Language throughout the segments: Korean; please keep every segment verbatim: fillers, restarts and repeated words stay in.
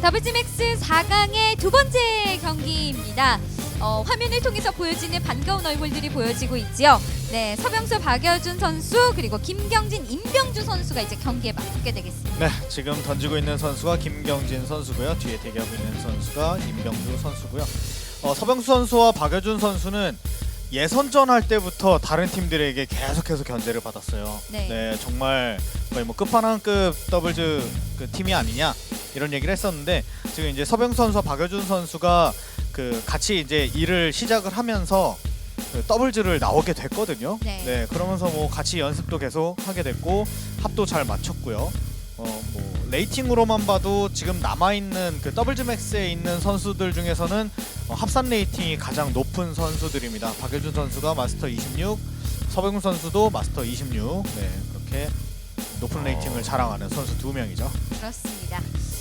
더블즈맥스 사 강의 두 번째 경기입니다. 어, 화면을 통해서 보여지는 반가운 얼굴들이 보여지고 있지요. 네, 서병수 박여준 선수 그리고 김경진 임병주 선수가 이제 경기에 맞붙게 되겠습니다. 네, 지금 던지고 있는 선수가 김경진 선수고요. 뒤에 대기하고 있는 선수가 임병주 선수고요. 어, 서병수 선수와 박여준 선수는 예선전 할 때부터 다른 팀들에게 계속해서 견제를 받았어요. 네. 네, 정말 거의 뭐 끝판왕급 더블즈 그 팀이 아니냐 이런 얘기를 했었는데 지금 이제 서병수 선수와 박여준 선수가 그 같이 이제 일을 시작을 하면서 그 더블즈를 나오게 됐거든요. 네. 네, 그러면서 뭐 같이 연습도 계속 하게 됐고 합도 잘 맞췄고요. 어, 뭐 레이팅으로만 봐도 지금 남아 있는 그 더블즈 맥스에 있는 선수들 중에서는 어, 합산 레이팅이 가장 높은 선수들입니다. 박여준 선수가 마스터 이십육, 서병수 선수도 마스터 이십육. 네, 그렇게 높은 레이팅을 자랑하는 선수 두 명이죠. 그렇습니다.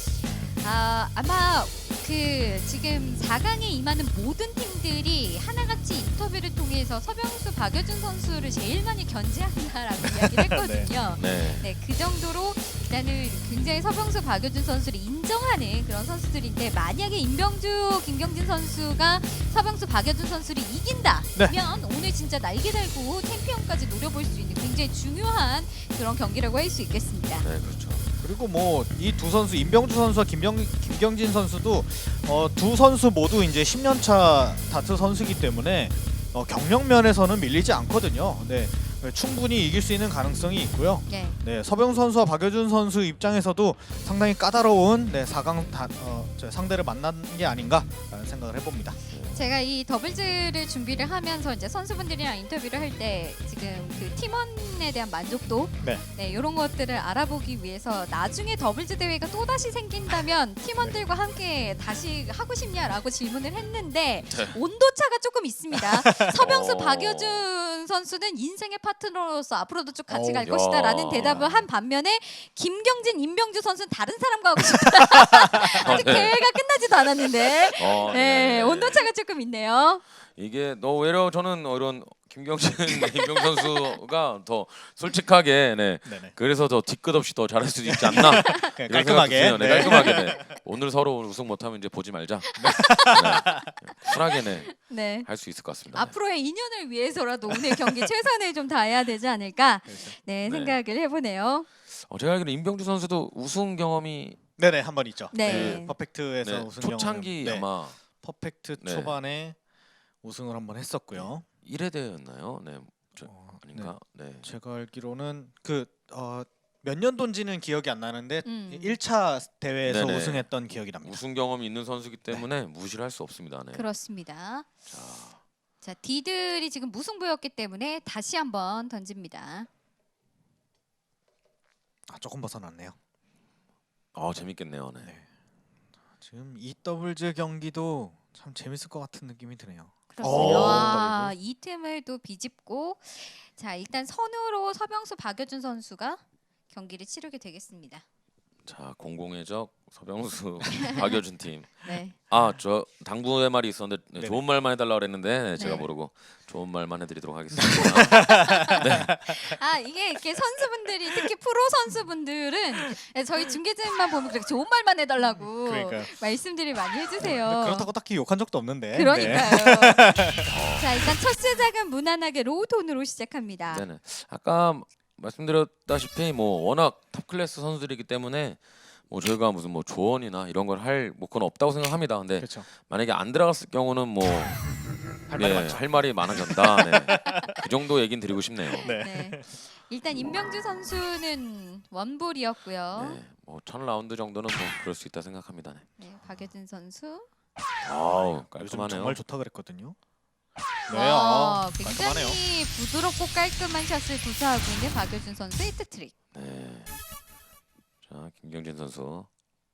아, 아마 그 지금 사 강에 임하는 모든 팀들이 하나같이 인터뷰를 통해서 서병수 박여준 선수를 제일 많이 견제한다라고 이야기를 했거든요. 네. 네, 그 정도로 일단은 굉장히 서병수 박여준 선수를 인정하는 그런 선수들인데 만약에 임병주 김경진 선수가 서병수 박여준 선수를 이긴다면 네. 오늘 진짜 날개 달고 챔피언까지 노려볼 수 있는 굉장히 중요한 그런 경기라고 할 수 있겠습니다. 네, 그렇죠. 그리고 뭐 이 두 선수 임병주 선수와 김경, 김경진 선수도 어, 두 선수 모두 이제 십 년 차 다트 선수이기 때문에 어, 경력 면에서는 밀리지 않거든요. 네, 충분히 이길 수 있는 가능성이 있고요. 네. 네, 서병수 선수와 박여준 선수 입장에서도 상당히 까다로운 네, 사 강 다, 어, 상대를 만난 게 아닌가라는 생각을 해봅니다. 제가 이 더블즈를 준비를 하면서 이제 선수분들이랑 인터뷰를 할 때 지금 그 팀원에 대한 만족도 네. 네, 이런 것들을 알아보기 위해서 나중에 더블즈 대회가 또 다시 생긴다면 팀원들과 함께 다시 하고 싶냐라고 질문을 했는데 네. 온도차가 조금 있습니다. 서병수 어. 박여준 선수는 인생의 파트너로서 앞으로도 쭉 같이 어, 갈 야. 것이다라는 대답을 한 반면에 김경진, 임병주 선수는 다른 사람과 하고 싶다. 아직 네. 대회가 끝나지도 않았는데 어, 네, 온도차가 조금 있네요. 이게 너 오히려 저는 이런 김경진 임병 선수가 더 솔직하게 네. 네네. 그래서 더 뒤끝 없이 더 잘할 수도 있지 않나. 그냥 이런 깔끔하게. 생각도 드네요. 네, 네. 깔끔하게. 네. 오늘 서로 우승 못하면 이제 보지 말자. 네. 쿨하게 네. 네. 할 수 있을 것 같습니다. 앞으로의 인연을 위해서라도 오늘 경기 최선을 좀 다해야 되지 않을까 그렇죠. 네, 네. 생각을 해보네요. 어, 제가 알기로 임병주 선수도 우승 경험이 네네, 한 번 있죠. 네. 퍼펙트에서 네, 우승 초창기 경험을- 네, 아마 퍼펙트 네. 초반에 우승을 한번 했었고요. 일 회 대회였나요? 네. 저, 어, 아닌가? 네. 제가 알기로는 그 어, 몇 년도인지는 기억이 안 나는데 음. 일 차 대회에서 네네. 우승했던 기억이 납니다. 우승 경험이 있는 선수기 때문에 무시를 할 수 없습니다. 네. 그렇습니다. 자, 자, D들이 지금 무승부였기 때문에 다시 한번 던집니다. 아, 조금 벗어났네요. 어 재밌겠네요. 네. 네. 지금 이 더블즈 경기도 참 재밌을 것 같은 느낌이 드네요. 그렇습니다. 오, 와, 이 틈을 또 비집고 자, 일단 선으로 서병수 박여준 선수가 경기를 치르게 되겠습니다. 자, 공공의 적 서병수 박여준 팀. 네. 아, 저 당부의 말이 있었는데 네, 네네. 좋은 말만 해달라 그랬는데 네, 제가 네. 모르고 좋은 말만 해드리도록 하겠습니다. 아, 이게 이렇게 선수분들이 특히 프로 선수분들은 저희 중계진만 보면 그렇게 좋은 말만 해달라고 그러니까요. 말씀들이 많이 근데 해주세요. 그렇다고 딱히 욕한 적도 없는데. 그러니까요. 네. 자, 일단 첫 시작은 무난하게 로우 톤으로 시작합니다. 네네. 아까 말씀드렸다시피 뭐 워낙 탑 클래스 선수들이기 때문에 뭐 저희가 무슨 뭐 조언이나 이런 걸 할 뭐 그건 없다고 생각합니다. 근데 그렇죠. 만약에 안 들어갔을 경우는 뭐 할 네, 말이 많죠. 할 말이 많아졌다. 네. 그 정도 얘긴 드리고 싶네요. 네. 네. 일단 임병주 선수는 원볼이었고요. 네, 뭐천 라운드 정도는 뭐 그럴 수 있다 생각합니다. 네. 네, 박여준 선수. 아우 요즘 깔끔하네요. 정말 좋다 그랬거든요. 네, 와, 아, 깔끔하네요. 굉장히 부드럽고 깔끔한 샷을 구사하고 있는 박여준 선수 히트 트릭. 네. 자 김경진 선수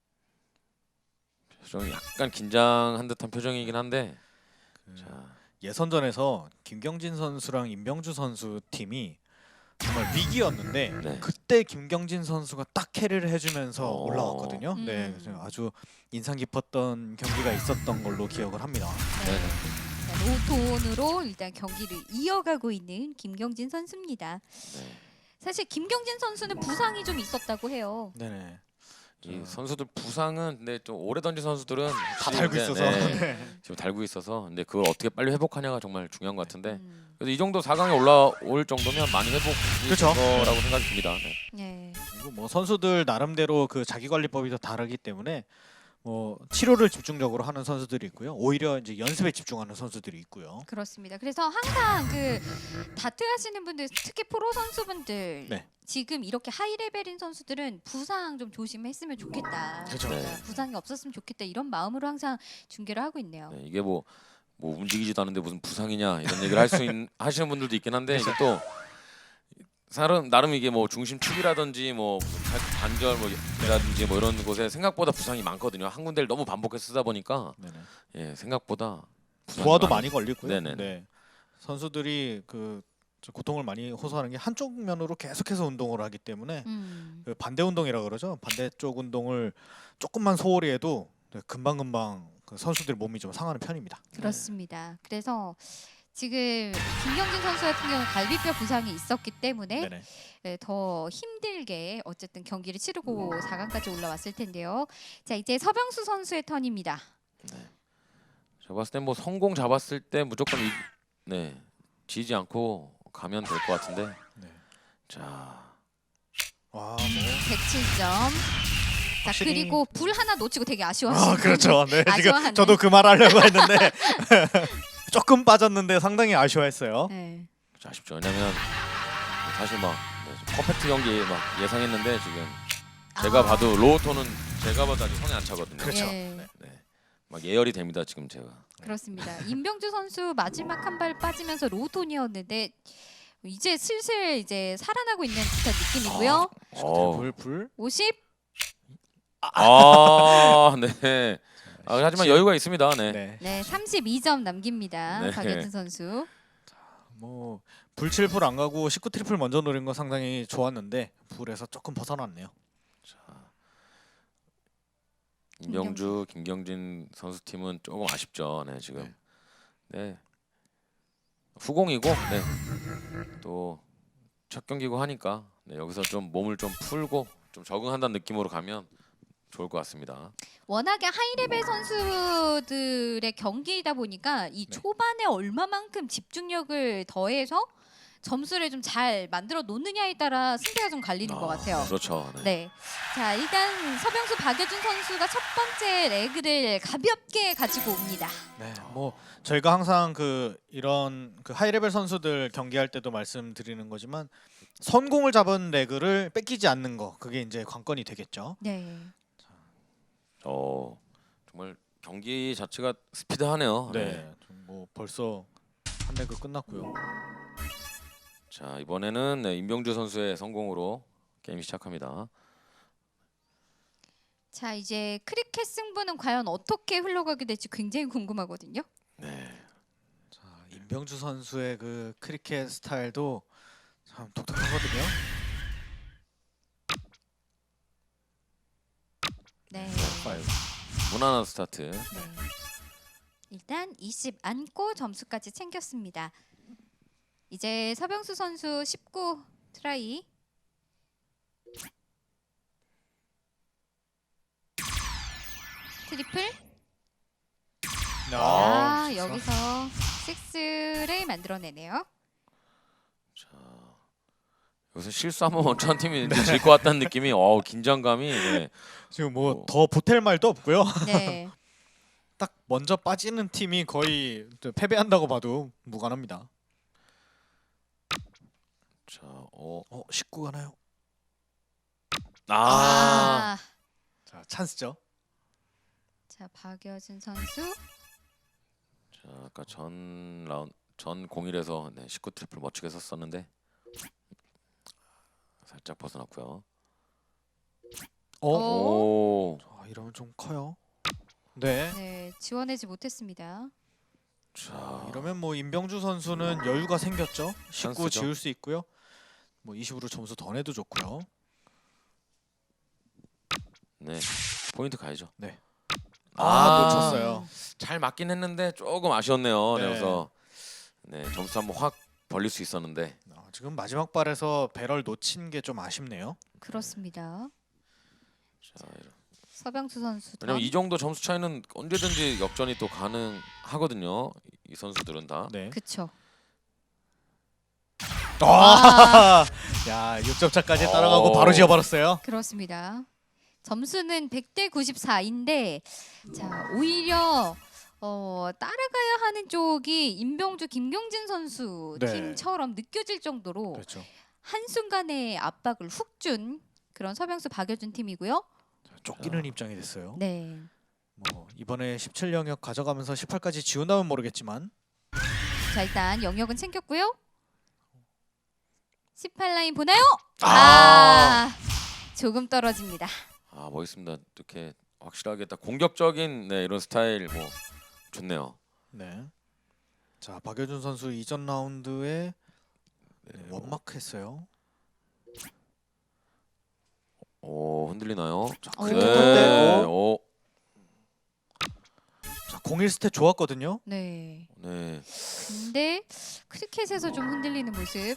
표정이 약간 긴장한 듯한 표정이긴 한데 그 자 예선전에서 김경진 선수랑 임병주 선수 팀이 정말 위기였는데 네. 그때 김경진 선수가 딱 캐리를 해주면서 오. 올라왔거든요. 음. 네, 그래서 아주 인상 깊었던 경기가 있었던 걸로 기억을 합니다. 네. 네네. 자, 로톤으로 일단 경기를 이어가고 있는 김경진 선수입니다. 네. 사실 김경진 선수는 부상이 좀 있었다고 해요. 네네. 이 선수들 부상은 근데 좀 오래 던진 선수들은 다 달고 근데, 있어서. 네, 네. 지금 달고 있어서 근데 그걸 어떻게 빨리 회복하냐가 정말 중요한 것 같은데 음. 그래도 이 정도 사 강에 올라올 정도면 많이 회복이 그쵸. 될 거라고 생각이 듭니다. 네. 네. 그리고 뭐 선수들 나름대로 그 자기 관리법이 더 다르기 때문에 뭐 치료를 집중적으로 하는 선수들이 있고요. 오히려 이제 연습에 집중하는 선수들이 있고요. 그렇습니다. 그래서 항상 그 다트 하시는 분들, 특히 프로 선수분들 네. 지금 이렇게 하이 레벨인 선수들은 부상 좀 조심했으면 좋겠다. 그렇죠. 그러니까 네. 부상이 없었으면 좋겠다 이런 마음으로 항상 중계를 하고 있네요. 네, 이게 뭐, 뭐 움직이지도 않는데 무슨 부상이냐 이런 얘기를 할 수 하시는 분들도 있긴 한데 이게 또 사람 나름 이게 뭐 중심 축이라든지 뭐 관절 뭐라든지 뭐 이런 곳에 생각보다 부상이 많거든요. 한 군데를 너무 반복해서 쓰다 보니까 네네. 예 생각보다 부상이 부하도 많아요. 많이 걸리고요. 네네. 네. 선수들이 그 고통을 많이 호소하는 게 한쪽 면으로 계속해서 운동을 하기 때문에 음. 그 반대 운동이라 그러죠. 반대쪽 운동을 조금만 소홀히 해도 금방 금방 그 선수들 몸이 좀 상하는 편입니다. 그렇습니다. 그래서 지금 김경진 선수 같은 경우는 갈비뼈 부상이 있었기 때문에 네네. 네, 더 힘들게 어쨌든 경기를 치르고 사 강까지 올라왔을 텐데요. 자, 이제 서병수 선수의 턴입니다. 제가 봤을 땐 뭐 성공 잡았을 때 무조건 이, 네 지지 않고 가면 될 것 같은데 네. 자 와, 뭐. 백칠 점. 자, 확실히- 그리고 불 하나 놓치고 되게 아쉬워하시는 아, 그렇죠. 네. 지금 아쉬워하는. 저도 그 말 하려고 했는데 조금 빠졌는데 상당히 아쉬워했어요. 네. 아쉽죠. 왜냐면 사실 막 네, 퍼펙트 경기 막 예상했는데 지금 제가 아. 봐도 로우톤은 제가 봐도 아직 성에 안 차거든요. 그렇죠. 예. 네. 막 예열이 됩니다 지금 제가. 그렇습니다. 임병주 선수 마지막 한 발 빠지면서 로우톤이었는데 이제 슬슬 이제 살아나고 있는 듯한 느낌이고요. 어. 불 불. 오십. 아 네. 아, 하지만 여유가 있습니다. 네. 네. 네, 삼십이 점 남깁니다. 네. 박여준 선수. 뭐 불 칠 풀 안 가고 십구 트리플 먼저 노린 거 상당히 좋았는데 불에서 조금 벗어났네요. 임병주, 김경진 선수 팀은 조금 아쉽죠. 네 지금. 네. 후공이고 네. 또 첫 경기고 하니까 네, 여기서 좀 몸을 좀 풀고 좀 적응한다는 느낌으로 가면 좋을 것 같습니다. 워낙에 하이레벨 선수들의 경기이다 보니까 이 네. 초반에 얼마만큼 집중력을 더해서 점수를 좀 잘 만들어 놓느냐에 따라 승패가 좀 갈리는 것 같아요. 그렇죠. 네. 네. 자, 일단 서병수 박여준 선수가 첫 번째 레그를 가볍게 가지고 옵니다. 네. 뭐 저희가 항상 그 이런 그 하이레벨 선수들 경기할 때도 말씀드리는 거지만 선공을 잡은 레그를 뺏기지 않는 거 그게 이제 관건이 되겠죠. 네. 어 정말 경기 자체가 스피드하네요. 네. 네. 좀뭐 벌써 한 레그 끝났고요. 자 이번에는 네, 임병주 선수의 성공으로 게임 시작합니다. 자, 이제 크리켓 승부는 과연 어떻게 흘러가게 될지 굉장히 궁금하거든요. 네. 자, 임병주 선수의 그 크리켓 스타일도 참 독특하거든요. 네. 파이브. 무난한 스타트. 네. 일단 이십 안고 점수까지 챙겼습니다. 이제 서병수 선수 십구 트라이. 트리플. 아, 아, 여기서 식스를 만들어내네요. 자 여기서 실수하면 원천 팀이 질 것 같다는 느낌이 어우 긴장감이 네. 지금 뭐 더 보탤 말도 없고요. 네. 딱 먼저 빠지는 팀이 거의 패배한다고 봐도 무관합니다. 자, 어, 어, 십구 가나요? 아, 아. 자, 찬스죠. 자, 박여준 선수. 자, 아까 전 라운 전 공일에서 네, 십구 트리플 멋지게 썼었는데 살짝 벗어났고요. 어, 오. 오, 자, 이러면 좀 커요. 네. 네, 지원하지 못했습니다. 자, 이러면 뭐 임병주 선수는 여유가 생겼죠. 십구 찬스죠. 지울 수 있고요. 뭐 이십으로 점수 더 내도 좋고요. 네, 포인트 가야죠. 네. 아, 아, 놓쳤어요. 잘 맞긴 했는데 조금 아쉬웠네요. 네. 네. 그래서 네, 점수 한번 확 벌릴 수 있었는데 아, 지금 마지막 발에서 배럴 놓친 게 좀 아쉽네요. 그렇습니다. 자, 이런. 서병수 선수. 왜냐면 이 정도 점수 차이는 언제든지 역전이 또 가능하거든요. 이 선수들은 다. 네. 그쵸. 아, 야, 육 점 차까지 따라가고 오. 바로 지어버렸어요. 그렇습니다. 점수는 백 대 구십사인데 자 오히려 어, 따라가야 하는 쪽이 임병주 김경진 선수 네. 팀처럼 느껴질 정도로 그렇죠. 한순간의 압박을 훅 준 그런 서병수 박여준 팀이고요. 쫓기는 입장이 됐어요. 네. 뭐 이번에 십칠 영역 가져가면서 십팔까지 지운다면 모르겠지만 자 일단 영역은 챙겼고요. 십팔 라인 보나요? 아. 아 조금 떨어집니다. 아 멋있습니다. 이렇게 확실하게 딱 공격적인 네, 이런 스타일 뭐 좋네요. 네. 자 박여준 선수 이전 라운드에 네, 원마크 했어요. 오 흔들리나요? 자 오. 크리켓 네. 때 오. 자 공일 스탯 좋았거든요. 네. 네. 근데 크리켓에서 좀 흔들리는 모습.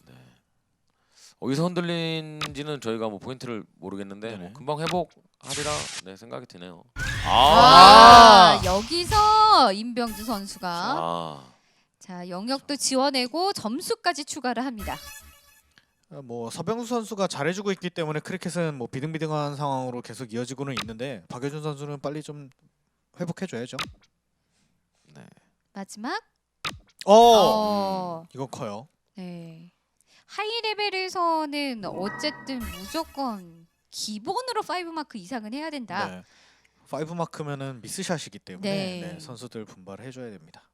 어디서 흔들린지는 저희가 뭐 포인트를 모르겠는데 네네. 뭐 금방 회복하리라 네 생각이 드네요. 아, 아. 여기서 임병주 선수가 아. 자 영역도 지원내고 점수까지 추가를 합니다. 뭐 서병수 선수가 잘해주고 있기 때문에 크리켓은 뭐 비등비등한 상황으로 계속 이어지고는 있는데 박여준 선수는 빨리 좀 회복해줘야죠. 네. 마지막. 어, 어. 이거 커요. 네. 하이 레벨에서는 어쨌든 무조건 기본으로 파이브 마크 이상은 해야 된다. 네. 파이브 마크면은 미스샷이기 때문에 네. 네, 선수들 분발해줘야 됩니다.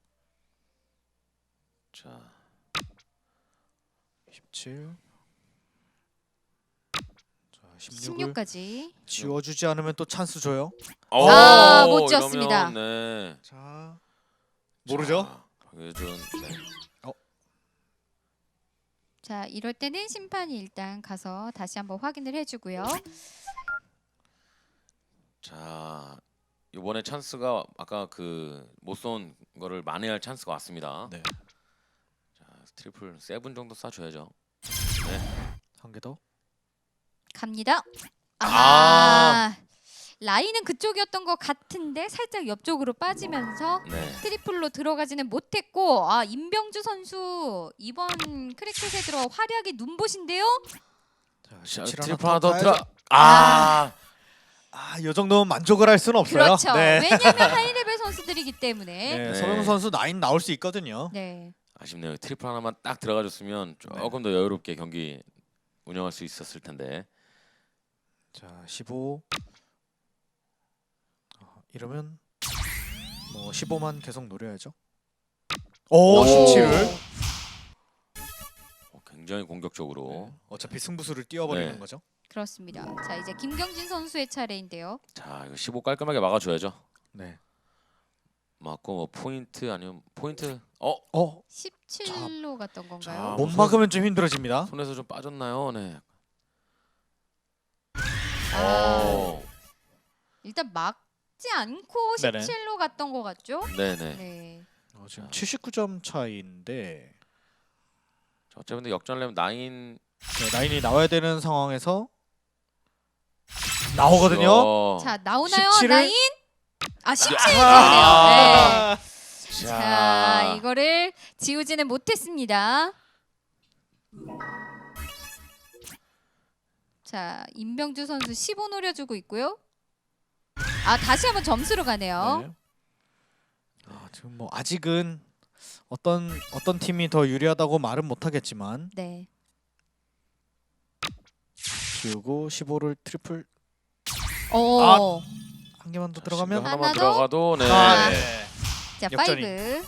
자. 십칠. 자 십육을 십육까지. 지워주지 않으면 또 찬스 줘요. 아, 오, 못 지었습니다. 이러면, 네. 자 모르죠? 자, 박여준. 네. 자 이럴 때는 심판이 일단 가서 다시 한번 확인을 해주고요. 자 이번에 찬스가 아까 그 못 쏜 거를 만회할 찬스가 왔습니다. 네. 자 트리플 세븐 정도 쏴줘야죠. 한 개 더. 갑니다. 아, 아. 라인은 그쪽이었던 것 같은데 살짝 옆쪽으로 빠지면서 네. 트리플로 들어가지는 못했고 아 임병주 선수 이번 크리켓에 들어 활약이 눈부신데요. 자, 자 십칠 트리플 하나 하나 더 더 들어. 가야죠. 아. 아, 이 정도면 만족을 할 수는 없어요. 그렇죠. 네. 왜냐하면 하이레벨 선수들이기 때문에. 네, 네. 서병수 선수 나인 나올 수 있거든요. 네. 아쉽네요. 트리플 하나만 딱 들어가줬으면 조금 더 여유롭게 경기 운영할 수 있었을 텐데. 자, 십오. 어, 이러면 뭐 십오만 계속 노려야죠. 오, 오. 십칠을. 어, 굉장히 공격적으로. 네. 어차피 승부수를 띄워버리는 네. 거죠. 그렇습니다. 자 이제 김경진 선수의 차례인데요. 자 이거 십오 깔끔하게 막아줘야죠. 네. 맞고 뭐 포인트 아니면 포인트. 어 어, 십칠로 갔던 자, 건가요? 못 무슨- 막으면 좀 힘들어집니다. 손에서 좀 빠졌나요? 네. 아. 오. 일단 막지 않고 네네. 십칠로 갔던 것 같죠? 네네. 네. 어, 지금 칠십구 점 차이인데 자, 어차피 역전하려면 나인 네, 라인이 나와야 되는 상황에서 나오거든요. 어. 자 나오나요? 십칠을? 나인? 아 십칠 아, 네. 자 이거를 지우지는 못했습니다. 자 임병주 선수 십오 노려주고 있고요. 아 다시 한번 점수로 가네요. 네. 아, 지금 뭐 아직은 어떤 어떤 팀이 더 유리하다고 말은 못하겠지만 네. 지우고 십오를 트리플 오. 아, 한 개만 더 들어가면 하나만 하나 더? 들어가도 네. 아, 네. 자 역전이. 파이브.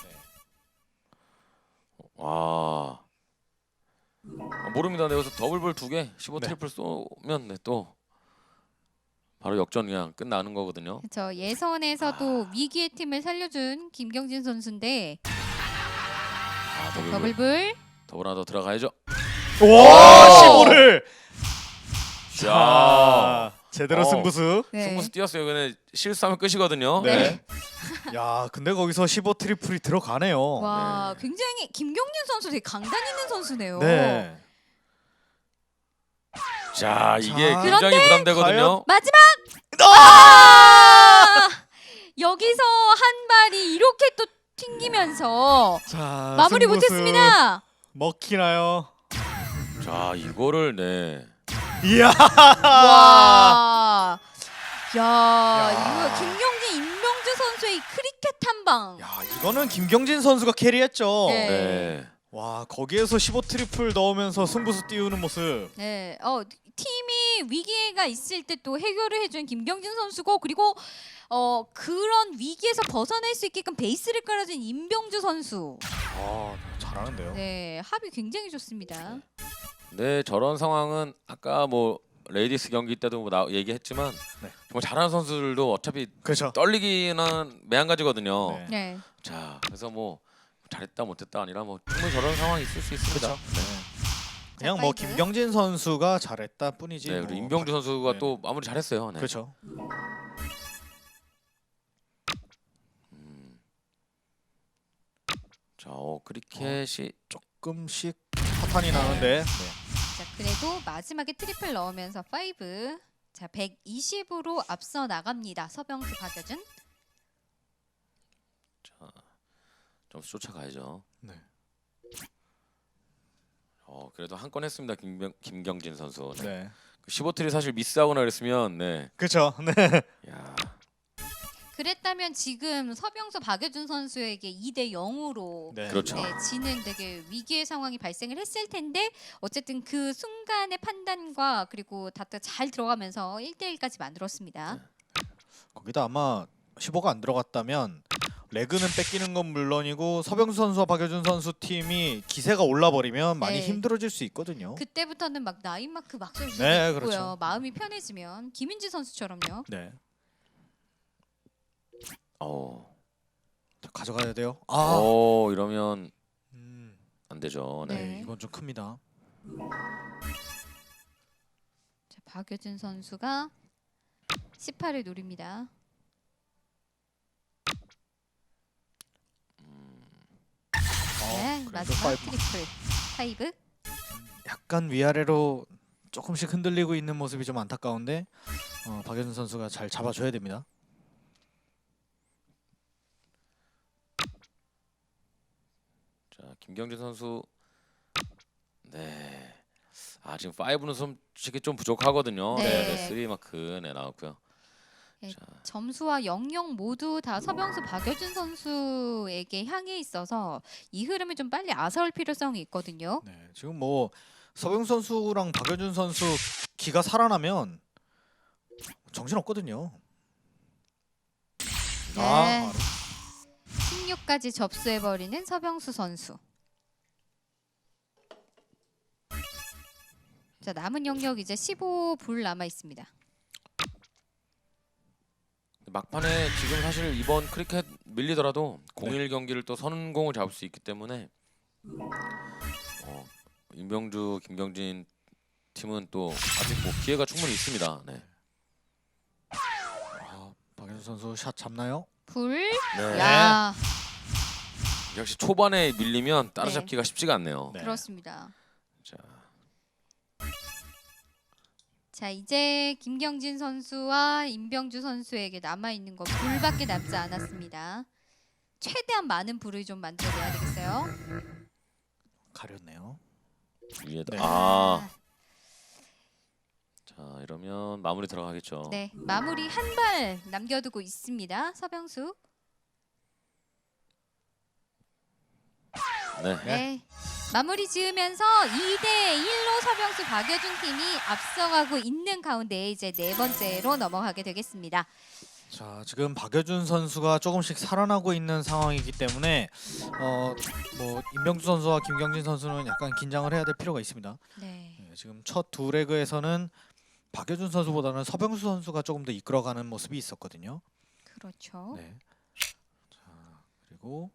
와. 아, 모릅니다. 네, 여기서 더블볼 두 개, 십오 네. 트리플 쏘면 네, 또 바로 역전 그냥 끝나는 거거든요. 저 예선에서도 위기의 팀을 살려준 김경진 선수인데 아, 더블볼. 더블불. 더블 하나 더 들어가야죠. 와, 십오를 자, 자, 제대로 어. 승부수. 네. 승부수 뛰었어요. 근데 실수하면 끝이거든요. 네. 야, 근데 거기서 십오 트리플이 들어가네요. 와 네. 굉장히 김경진 선수 되게 강단 있는 선수네요. 네. 자, 이게 자, 굉장히 부담되거든요. 마지막 아! 여기서 한 발이 이렇게 또 튕기면서 자, 마무리 승부수 못했습니다. 먹히나요? 자 이거를 네. 이야. 와, 야, 야. 이거 김경진 임명주 선수의 이 크리켓 한 방. 야, 이거는 김경진 선수가 캐리했죠. 네. 네. 와, 거기에서 십오 트리플 넣으면서 승부수 띄우는 모습. 네, 어 팀이 위기가 있을 때 또 해결을 해준 김경진 선수고, 그리고 어 그런 위기에서 벗어날 수 있게끔 베이스를 깔아준 임병주 선수. 아, 잘하는데요. 네, 합이 굉장히 좋습니다. 네 저런 상황은 아까 뭐 레이디스 경기 때도 뭐 나, 얘기했지만 네. 정말 잘하는 선수들도 어차피 그렇죠. 떨리기는 매한가지거든요. 네. 네, 자 그래서 뭐 잘했다 못했다 아니라 뭐 충분히 저런 상황이 있을 수 있습니다. 그렇죠. 네. 그냥 자, 뭐 파이브. 김경진 선수가 잘했다 뿐이지. 네, 뭐 그리고 임병주 선수가 네. 또 마무리 잘했어요. 네. 그렇죠. 자, 어, 크리켓이 조금씩 파탄이 나는데. 네. 자 그래도 마지막에 트리플 넣으면서 파이브. 자 백이십으로 앞서 나갑니다. 서병수 박여준. 좀 쫓아가야죠. 네. 어, 그래도 한 건 했습니다. 김병, 김경진 선수. 네. 네. 그 십오 트리 사실 미스하거나 그랬으면 네. 그렇죠. 네. 야, 그랬다면 지금 서병수 박여준 선수에게 이 대 영으로 네. 그렇죠. 네, 지는 되게 위기의 상황이 발생을 했을 텐데, 어쨌든 그 순간의 판단과 그리고 다트 잘 들어가면서 일 대 일까지 만들었습니다. 네. 거기다 아마 십오가 안 들어갔다면 레그는 뺏기는 건 물론이고 서병수 선수와 박여준 선수 팀이 기세가 올라버리면 많이 네. 힘들어질 수 있거든요. 그때부터는 막 나인 마크 막 쏠 수도 네, 있고요. 그렇죠. 마음이 편해지면 김윤지 선수처럼요. 네. 어, 자, 가져가야 돼요. 아. 어 이러면 음. 안 되죠. 네. 네. 네, 이건 좀 큽니다. 자, 박여준 선수가 십팔을 노립니다. 네, 그래도 마지막 파이브. 트리플 파이브. 약간 위아래로 조금씩 흔들리고 있는 모습이 좀 안타까운데 어, 박여준 선수가 잘 잡아줘야 됩니다. 자, 김경진 선수 네. 아, 지금 오는 솔직히 좀 부족하거든요. 네. 네, 네. 삼 마크 네, 나왔고요. 네, 자. 점수와 영영 모두 다 서병수 박여준 선수에게 향해 있어서 이 흐름을 좀 빨리 아사올 필요성이 있거든요. 네, 지금 뭐 서병수 선수랑 박여준 선수 기가 살아나면 정신 없거든요. 네. 아, 십육까지 접수해버리는 서병수 선수. 자, 남은 영역 이제 십오 불 남아 있습니다. 막판에 지금 사실 이번 크리켓 밀리더라도 공일 경기를 또 선공을 잡을 수 있기 때문에 어, 임병주, 김경진 팀은 또 아직 뭐 기회가 충분히 있습니다. 네. 아, 박여준 선수 샷 잡나요? 불. 네. 야, 역시 초반에 밀리면 따라잡기가 네. 쉽지가 않네요. 네. 그렇습니다. 자, 자, 이제 김경진 선수와 임병주 선수에게 남아 있는 건 불밖에 남지 않았습니다. 최대한 많은 불을 좀 만들어내야 되겠어요. 가렸네요. 위에다 네. 아, 자 이러면 마무리 들어가겠죠. 네, 마무리 한 발 남겨두고 있습니다. 서병수. 네. 네. 마무리 지으면서 이 대 일로 서병수 박여준 팀이 앞서가고 있는 가운데 이제 네 번째로 넘어가게 되겠습니다. 자, 지금 박여준 선수가 조금씩 살아나고 있는 상황이기 때문에 어, 뭐 임병주 선수와 김경진 선수는 약간 긴장을 해야 될 필요가 있습니다. 네. 네, 지금 첫 두 레그에서는 박여준 선수보다는 서병수 선수가 조금 더 이끌어가는 모습이 있었거든요. 그렇죠. 네. 자, 그리고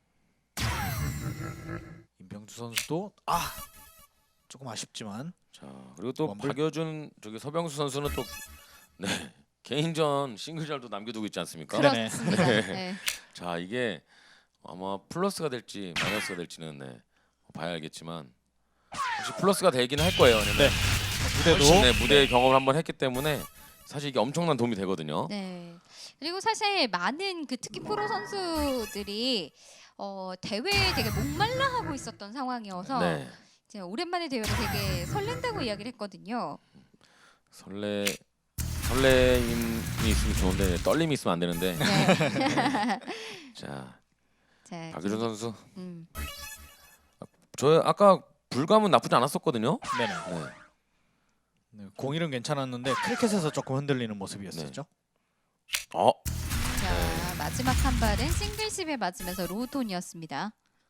임병주 선수도 아 조금 아쉽지만 자 그리고 또 원불. 박여준 저기 서병수 선수는 또 네. 개인전 싱글전도 남겨두고 있지 않습니까? 그래. 그렇습니다. 네. 네. 자 이게 아마 플러스가 될지 마이너스가 될지는 네, 봐야 알겠지만 혹시 플러스가 되긴 할 거예요. 왜냐면 네. 무대도 훨씬, 네, 무대 경험을 한번 했기 때문에 사실 이게 엄청난 도움이 되거든요. 네. 그리고 사실 많은 그 특히 프로 선수들이 어, 대회에 되게 목말라 하고 있었던 상황이어서 네. 이제 오랜만에 대회를 되게 설렌다고 이야기를 했거든요. 설레 설레임이 있으면 좋은데 떨림이 있으면 안 되는데. 네. 자, 자, 박유준 선수. 음. 저 아까 불감은 나쁘지 않았었거든요. 네네. 네. 네, 공일은 괜찮았는데 크리켓에서 조금 흔들리는 모습이었었죠. 어, 자, 마지막 한 발은 싱글십에 맞으면서 로우톤이었습니다.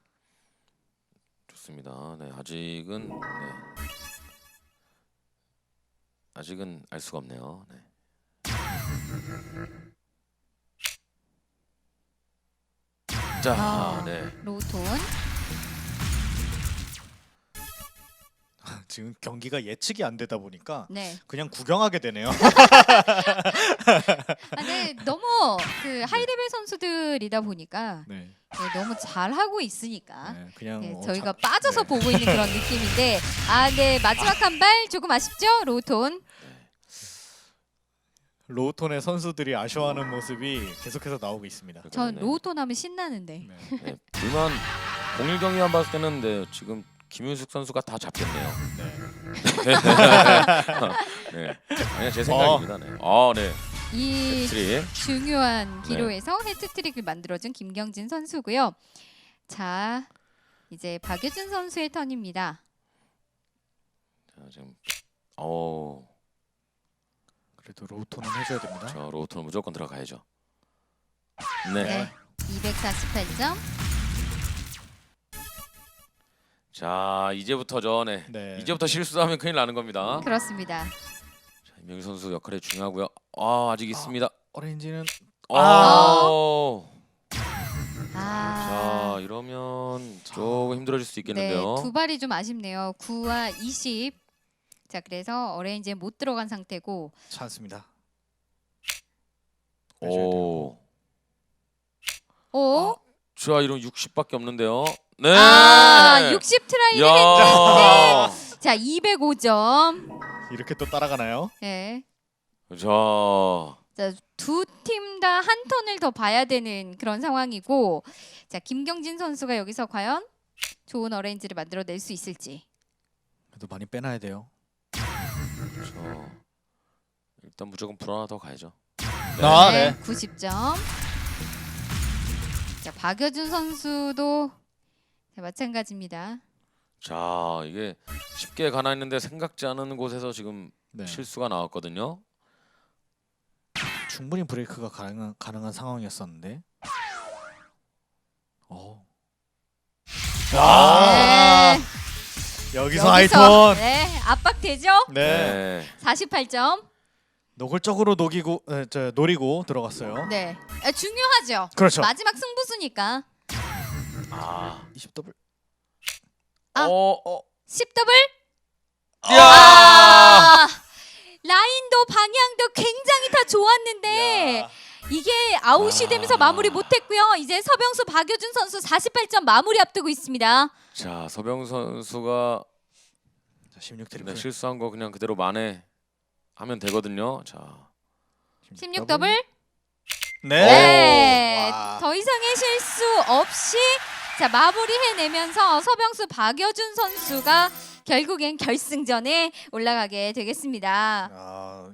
좋습니다. 네, 아직은 네. 아직은 알 수가 없네요. 네. 자, 아. 네. 로우톤. 지금 경기가 예측이 안 되다 보니까 네. 그냥 구경하게 되네요. 아, 네. 너무 그 하이레벨 선수들이다 보니까 네. 네, 너무 잘 하고 있으니까 네, 그냥 네, 어, 저희가 자- 빠져서 네. 보고 있는 그런 느낌인데 아, 네. 마지막 한 발 조금 아쉽죠? 로우톤. 로우톤의 선수들이 아쉬워하는 모습이 계속해서 나오고 있습니다. 전 네. 로우톤 하면 신나는데. 네. 네, 불만 공일 경기만 봤을 때는 네, 지금 김윤숙 선수가 다 잡겠네요. 네. 네, 아니 제 생각입니다. 네. 아, 네. 이 트릭. 중요한 네. 기로에서 헤트트릭을 만들어준 김경진 선수고요. 자, 이제 박유준 선수의 턴입니다. 자, 지금 어, 그래도 로우톤은 해줘야 됩니다. 저 로우톤은 무조건 들어가야죠. 네. 네, 이백사십팔 점. 자, 이제부터죠. 네. 네. 이제부터 실수하면 큰일 나는 겁니다. 그렇습니다. 자, 임명희 선수 역할이 중요하고요. 아, 아직 있습니다. 오렌지는 아. 아, 자, 이러면 조금 힘들어질 수 네, 있겠는데요. 두 발이 좀 아쉽네요. 구와 이십. 자, 그래서 어레인지에 못 들어간 상태고. 찬스입니다. 오. 오, 자, 이런 육십밖에 없는데요. 네. 아, 육십 트라이를 야. 했는데. 자, 이백오 점. 이렇게 또 따라가나요? 네. 자. 자, 두 팀 다 한 턴을 더 봐야 되는 그런 상황이고, 자, 김경진 선수가 여기서 과연 좋은 어레인지를 만들어낼 수 있을지. 그래도 많이 빼놔야 돼요. 저 일단 무조건 불 하나 더 가야죠. 아, 네, 네. 구십 점. 자, 박여준 선수도 자, 마찬가지입니다. 자, 이게 쉽게 가나 했는데 생각지 않은 곳에서 지금 네. 실수가 나왔거든요. 충분히 브레이크가 가능한, 가능한 상황이었었는데. 어. 아, 네. 여기서 하이톤. 네, 압박되죠? 네. 네. 사십팔 점. 노골적으로 녹이고 에, 저, 노리고 들어갔어요. 네, 아, 중요하죠. 그렇죠. 마지막 승부수니까. 아. 이십 더블. 아. 어, 어. 십 더블. 야! 아, 라인도 방향도 굉장히 다 좋았는데 야. 이게 아웃이 아. 되면서 마무리 못했고요. 이제 서병수 박여준 선수 사십팔 점 마무리 앞두고 있습니다. 자, 서병 선수가 자, 십육 네, 트리플. 실수한 거 그냥 그대로 만회 하면 되거든요. 자. 십육 더블. 네. 네. 와. 더 이상의 실수 없이 자, 마무리해내면서 서병수 박여준 선수가 결국엔 결승전에 올라가게 되겠습니다. 아,